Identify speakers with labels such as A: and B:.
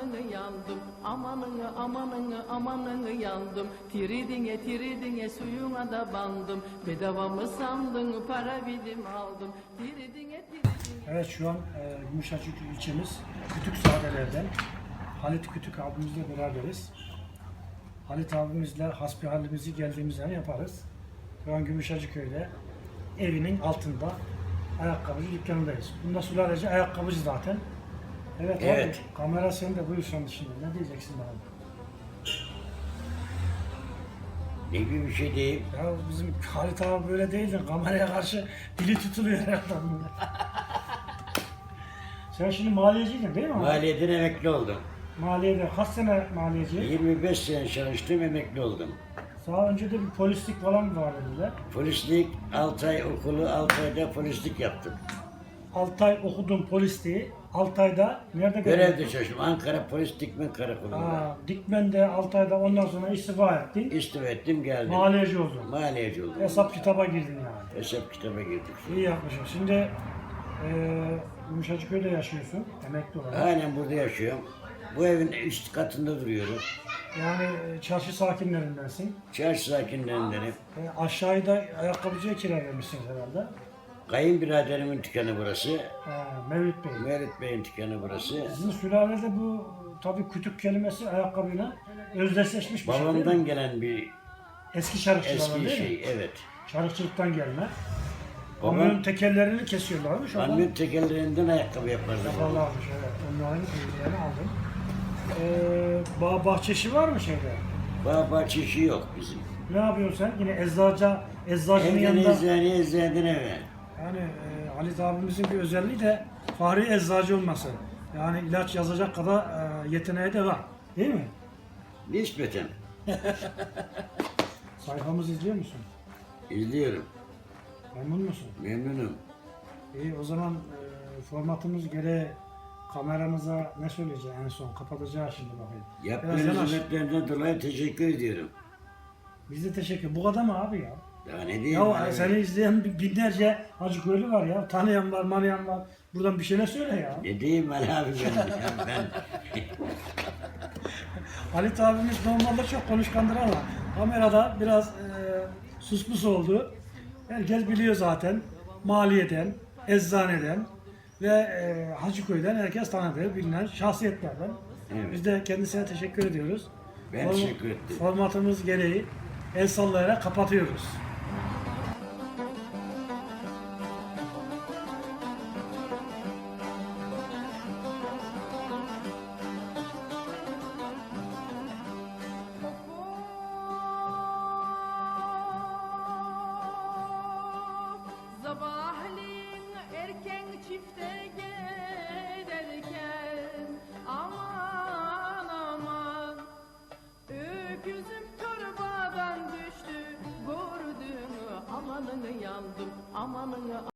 A: amanını yandım, amanını yandım. Tiridine suyuna da bandım. Bedava mı sandın, para bidim aldım. Tiridine.
B: Evet, şu an Gümüşhacık ilçemiz Kütükzadeler'den Halit Kütük abimizle beraberiz. Halit abimizle hasbihalimizi geldiğimiz yer yaparız. Şu an Gümüşhacıköy'de evinin altında ayakkabıcı dükkanındayız. Bunda sülalece ayakkabıcı zaten. Evet,
C: Evet.
B: Abi, kamera sende, buyur sen şimdi. Ne diyeceksin bana?
C: Ne gibi bir şey değil.
B: Ya bizim Halit abi böyle değildi. Kameraya karşı dili tutuluyor herhalde. Sen şimdi maliyeciydin değil mi abi?
C: Maliyeden emekli oldum.
B: Maliyede kaç sene maliyeci?
C: 25 sene çalıştım, emekli oldum.
B: Daha önce de bir polislik falan var dediler.
C: Polislik, 6 ay okulu, 6 ayda polislik yaptım.
B: 6 ay okudum polisliği. 6 ayda nerede
C: Görevde çalıştım. Ankara Polis Dikmen Karakolu'nda.
B: Dikmen'de 6 ayda, ondan sonra istifa ettin.
C: İstifa ettim, geldim.
B: Maliyeci oldun.
C: Maliyeci oldum.
B: Hesap kitaba girdin yani.
C: Hesap kitaba girdik.
B: İyi yapmışsın. Şimdi Gümüşhacıköy'de yaşıyorsun. Emekli olarak.
C: Halen burada yaşıyorum. Bu evin üst katında duruyorum.
B: Yani çarşı sakinlerindensin.
C: Çarşı sakinlerindenim.
B: Aşağıda ayakkabıcıya kira vermişsin herhalde.
C: Kayınbiraderimin dükkanı burası.
B: Mevlüt Bey.
C: Mevlüt Bey'in dükkanı burası.
B: Sizin sülalede bu tabii kütük kelimesi ayakkabıyla özdeşleşmiş bir şey değil mi?
C: Babamdan gelen bir
B: Eski çarıkçılardan
C: eski
B: değil mi?
C: şey, evet.
B: Çarıkçılıktan gelme.
C: Babam-
B: Kamyon tekerlerini kesiyorlarmış.
C: Kamyon tekerlerinden ayakkabı yapardı.
B: Yaparlarmış, evet. Onların bilgilerini aldım. Bağ bahçesi var mı şeyde?
C: Bağ bahçesi yok bizim.
B: Ne yapıyorsun sen? Yine eczacının
C: Evden
B: yanında.
C: eczaneden eve.
B: Yani Halit abimizin bir özelliği de fahri eczacı olması. Yani ilaç yazacak kadar yeteneği de var. Değil mi?
C: Nispeten.
B: Sayfamızı izliyor musun?
C: İzliyorum.
B: Memnun musun?
C: Memnunum.
B: İyi, o zaman formatımız gereği kameramıza ne söyleyeceğiz en son? Kapatacağız şimdi bakayım. Biraz
C: Yaptığınız
B: yanaş.
C: hizmetlerden dolayı teşekkür ediyorum.
B: Biz de teşekkür. Bu kadar mı abi ya?
C: Daha ne diyeyim?
B: Ya seni izleyen binlerce Hacıköylü var ya. Tanıyan var, manayan var. Buradan bir şeyler söyle ya.
C: Ne diyeyim Ali abi ben?
B: Halit abimiz normalde çok konuşkandır ama kamerada biraz suspus oldu. Herkes biliyor zaten. Maliyeden, eczaneden ve Hacıköy'den herkes tanıdığı, bilinen şahsiyetlerden.
C: Evet.
B: Biz de kendisine teşekkür ediyoruz.
C: Ben teşekkür ettim.
B: Formatımız gereği el sallayarak kapatıyoruz.
A: Sabahleyin erken çifte